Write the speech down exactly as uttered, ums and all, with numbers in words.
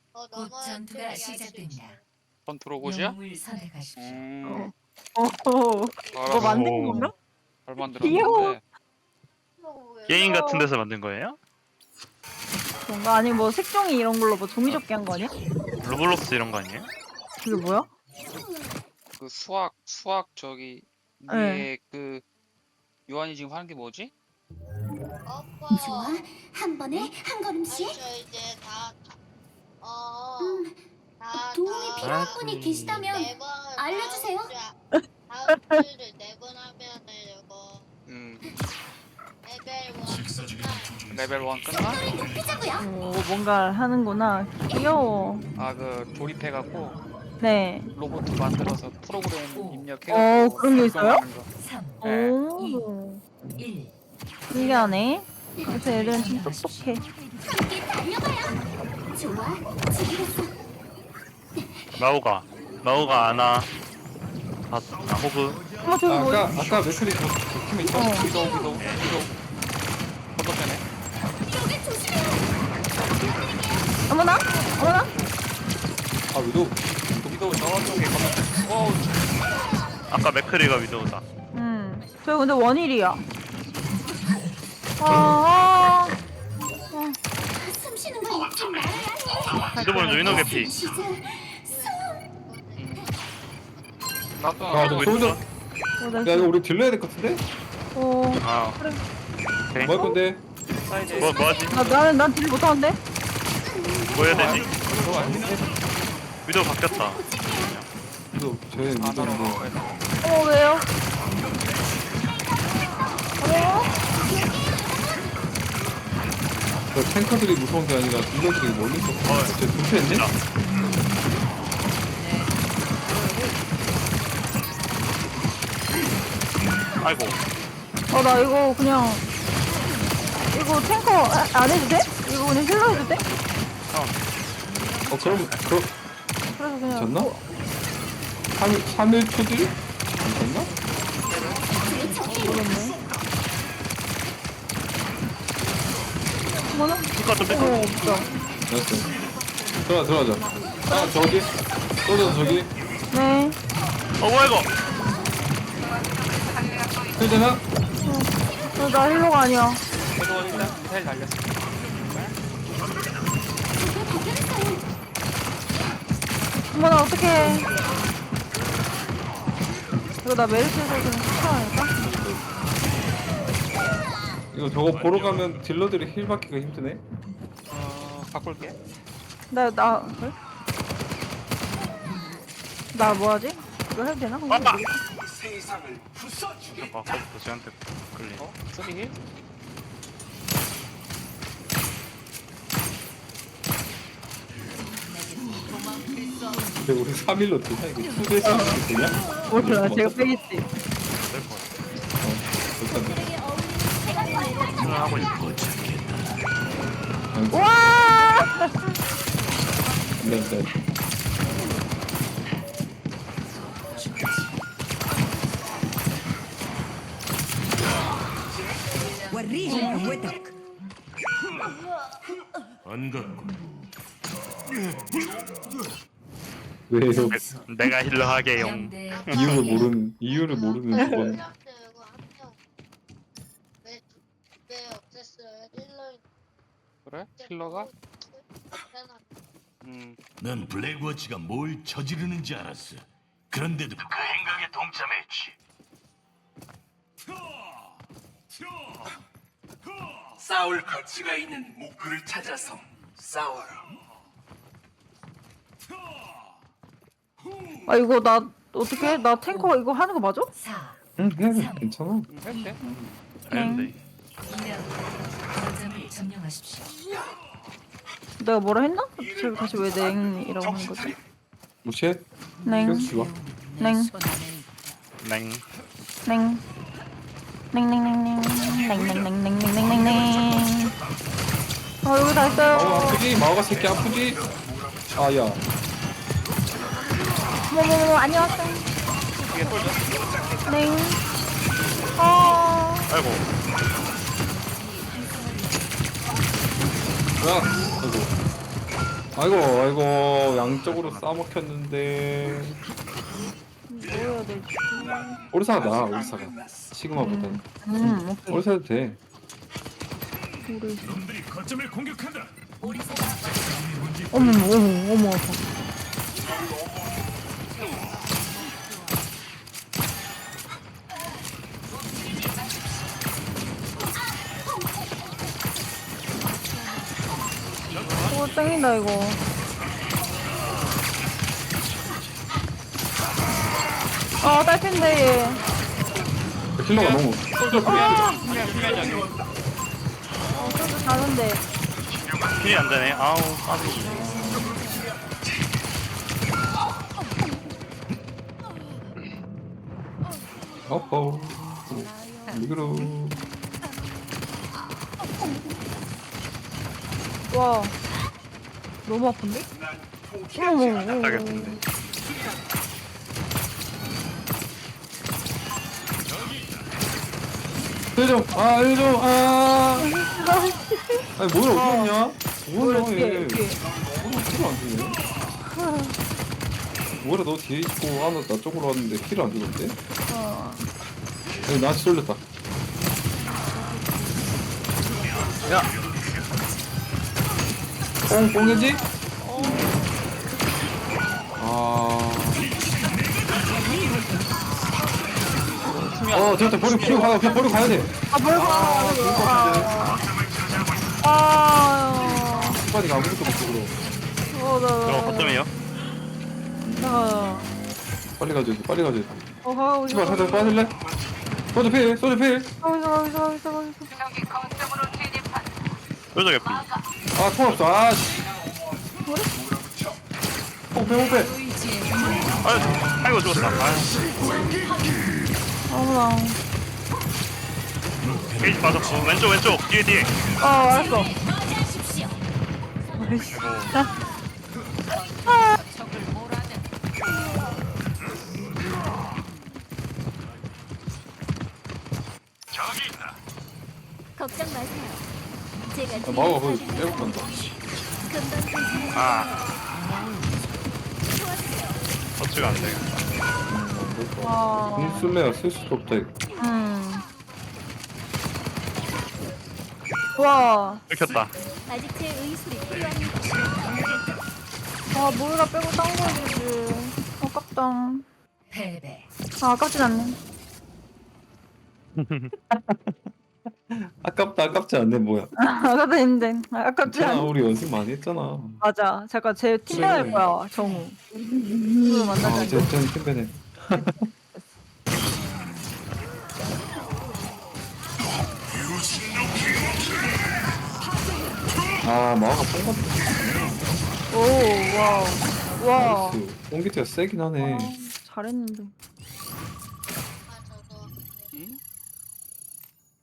곧 전투가 시작됩니다. 컨트롤 곳이야? 영웅을 선택하십시오. 음, 어허. 뭐 알았어. 만든 건가? 잘 귀여워. 만들었는데. 게임 같은 데서 만든 거예요? 뭔가 아니 뭐 색종이 이런 걸로 뭐 종이접기 한 거 아니야? 로블록스 이런 거 아니에요? 그게 뭐야? 그 수학, 수학 저기 네. 위에 그 요한이 지금 하는 게 뭐지? 좋아, 한 번에 한 걸음씩. 저 이제 다, 다 어, 음, 다, 도움이 다 필요한 아, 분이 음. 계시다면 네 번, 알려주세요. 다음 주, 다음 주를 네 번 하면은 이거 음, 레벨 원 레벨 일 끝나? 속도를 높이자고요. 오, 뭔가 하는구나. 귀여워. 아, 그 조립해갖고 네. 로봇 만들어서 프로그램 어, 입력해갖고 그런 게 있어요? 작동하는 거. 삼, 네. 오. 일. 신기하네. 그래서 애들은 좀 똑똑해. 함께 달려봐요. 좋아, 준비됐어. 마오가 마오가 아나 아, 아 호그 어머 저기 아, 뭐 아까 아까 맥클이 저, 저 팀에 있죠? 어. 위도우, 위도우, 위도우. 건너편에. 여기 조심해요. 어머나? 어머나? 아 위도 위도우 저쪽에 건너편. 어우, 아까 맥크리가 위도우다. 음. 저 근데 원일이야. 아. 숨 쉬는 거 잊지 말아야 해. 위도우는 위노 개피. 시작. 나도 아, 나도 저 왜- 소자. 어, 야 이거 우리 딜러야 될 것 같은데? 어. 아 오케이. 뭐 할 건데? 사이드. 뭐 뭐하지? 나 나는 난 딜 못하는데? 뭐 해야 되지? 그거 아닌데? 위도우 바뀌었다. 위도 저희 아, 위도 나도 뭐 어 왜요? 어? 저 탱커들이 무서운 게 아니라 딜러들이 멀리 있어. 어. 쟤 분패했네? 진짜. 아이고 어 나 이거 그냥 이거 탱커 아, 안 해도 돼? 이거 그냥 힐러 해도 돼? 어 그럼 그럼 그래서 그냥 졌나? 뭐- 삼 일 초 딜? 졌나? 모르겠네. 뭐나? 누가 좀 어 뺏어. 없어. 알았어. 들어가 들어가자. 아 저기 소자 저기 네. 어 뭐야 이거? 되잖아? 어, 나 힐러가 아니야. 위도우 일단 미사일 달렸어. 어머나 어떡해. 이거 나 메리트에서 좀 추천할까? 이거 저거 보러 가면 딜러들이 힐 받기가 힘드네. 어, 바꿀게. 나, 나, 그래? 나 뭐하지? 이거 해도 되나? 아빠! 아 아까부터 쟤한테 끌리네. 어? 쓰리 힐? 근데 우리 삼 일로 되냐? 이거 투 대씩 되냐? 몰라, 제가 빼겠지. 될것 같아. 어, 일단 생각하고 있어. 와! 네, 네. 왜요? 내- 내가 힐러 하게용. 영대 이유를 모르는 이유를 모르는 저건. 이거 한명 왜, 왜 없앴어요? 힐러 그래? 힐러가? 음, 넌 블랙워치가 뭘 저지르는지 알았어. 그런데도 그 행각에 동참했지. 싸울 가치가 있는 목표를 찾아서 싸워라. 아, 이거 나, 어떻게? 나 탱커 이거 하는 거 맞아? 사, 응, 그냥 괜찮아. 음, 해도 돼. 아닌데. 이 라운드 거점을 점령하십시오. 내가 뭐라 했나? 지금 다시 왜 냉이라고 하는 거지? 무시해? 냉, 계속 죽어. 냉, 냉. 냉. 냉냉냉냉. 냉냉냉냉냉냉냉. 아, 여기 다 마우 있어요. 아프지? 마우가 새끼 아프지? 아야. 뭐뭐뭐, 안녕하세요. 뒤에 쏠져. 냉. 아. 아이고. 야. 아이고. 아이고 아이고 양쪽으로 싸먹혔는데. 뭐 해야 되지? 오리사가 나 오리사가 시그마보다는. 음, 오케이. 오리사도 돼. 우리. 놈들이 거점을 공격한다. 어머, 어머, 어머. 오, 땡긴다, 이거. 아, 딸핀데, 얘. 킬러가 너무. 솔저 프리. 어, 좀 다른데. 힐이 안 되네. 아우, 까비. 어허. 리그로. 와. 너무 아픈데? 어머, 어머, 어머. 알겠는데. 일좀 아 일좀 아. 아니 뭐야 어디 갔냐? 뭐야 뒤에, 얘. 뒤에. 뭐야 킬을 안 주네. 뭐야 너 뒤에 있고 아나 나 쪽으로 왔는데 킬을 안 주던데? 어. 아니 나한테 쏠렸다. 야, 뽕 뽕이지? 아. 어, 저한테 버리고 버리고 가, 그냥 버리고 가야 돼. 아, 뭘 봐. 아, 아, 스파디가 아무것도 없어 그럼. 어, 나, 저거 나, 거점이에요? 나, 빨리 가줘야 돼, 빨리 가줘야 돼. 어, 가고 있어. 씨발 살짝 빠질래? 소주 필, 소주 필. 가고 있어, 가고 있어, 가고 있어, 가고 있어. 뾰족 개피. 아, 통 없어. 아, 씨. 호패, 호패. 아유, 아이고 죽었다. 아유, 어머나. 게이지 빠졌고. 왼쪽, 왼쪽. 뒤에, 뒤에. 어, 알았어. 아이씨. 아, 걱정 마세요. 제가 아, 마우가 거기 빼고 간다. 금방 괜찮아요. 아. 터치가 안 되겠다. 와. 공 쓸래야 쓸 수도 없다, 이거. 음. 와. 들켰다. 아직 제 의술이 필요합니다. 아, 모이라 빼고 딴 거 해주지. 아깝다. 패배. 아, 아깝진 않네. 아깝다, 아깝지 않네, 뭐야. 아깝다 했는데. 아, 아깝지 괜찮아, 않네. 우리 연습 많이 했잖아. 맞아. 잠깐 제 팀장 할 거야, 정우. 누구 아, 만나자. 이제 좀 팀배네. 아, 마우가 뽕 같다. 오, 와우. 와. 나이스. 뽕기트가 세긴 하네. 잘했는데.